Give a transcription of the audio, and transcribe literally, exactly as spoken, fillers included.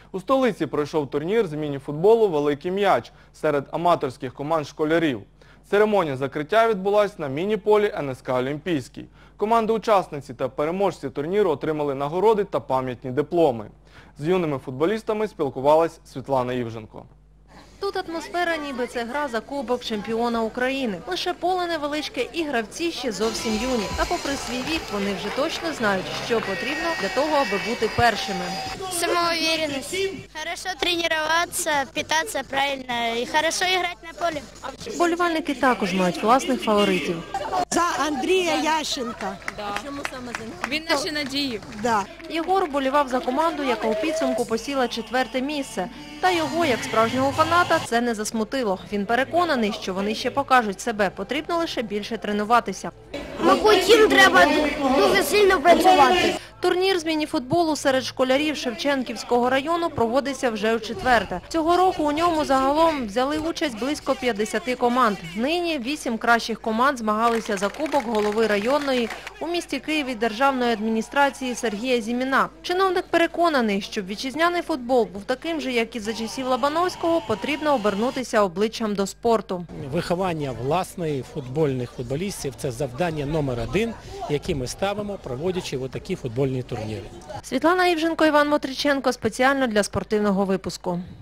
У столиці пройшов турнір з міні-футболу «Великий м'яч» серед аматорських команд школярів. Церемонія закриття відбулась на міні-полі ен ес ка «Олімпійський». Команди-учасниці та переможці турніру отримали нагороди та пам'ятні дипломи. З юними футболістами спілкувалась Світлана Івженко. Тут атмосфера, ніби це гра за кубок чемпіона України. Лише поле невеличке і гравці ще зовсім юні. А попри свій вік, вони вже точно знають, що потрібно для того, аби бути першими. Самоуверенность. Хорошо тренуватися, питатися правильно і хорошо грати на полі. Вболівальники також мають власних фаворитів. За Андрія Ященка. Да. Чому саме за нього? Він наші надії. Да. Єгор вболівав за команду, яка у підсумку посіла четверте місце. Та його, як справжнього фаната, це не засмутило. Він переконаний, що вони ще покажуть себе. Потрібно лише більше тренуватися. Мабуть, їм треба дуже сильно працювати. Турнір з міні-футболу серед школярів Шевченківського району проводиться вже у четверте. Цього року у ньому загалом взяли участь близько п'ятдесят команд. Нині вісім кращих команд змагалися за кубок голови районної у місті Києві державної адміністрації Сергія Зіміна. Чиновник переконаний, щоб вітчизняний футбол був таким же, як і за часів Лобановського, потрібно обернутися обличчям до спорту. Виховання власних футбольних футболістів – це завдання номер один, яке ми ставимо, проводячи отакі футбольні турніри. Світлана Івженко, Іван Мотриченко. Спеціально для спортивного випуску.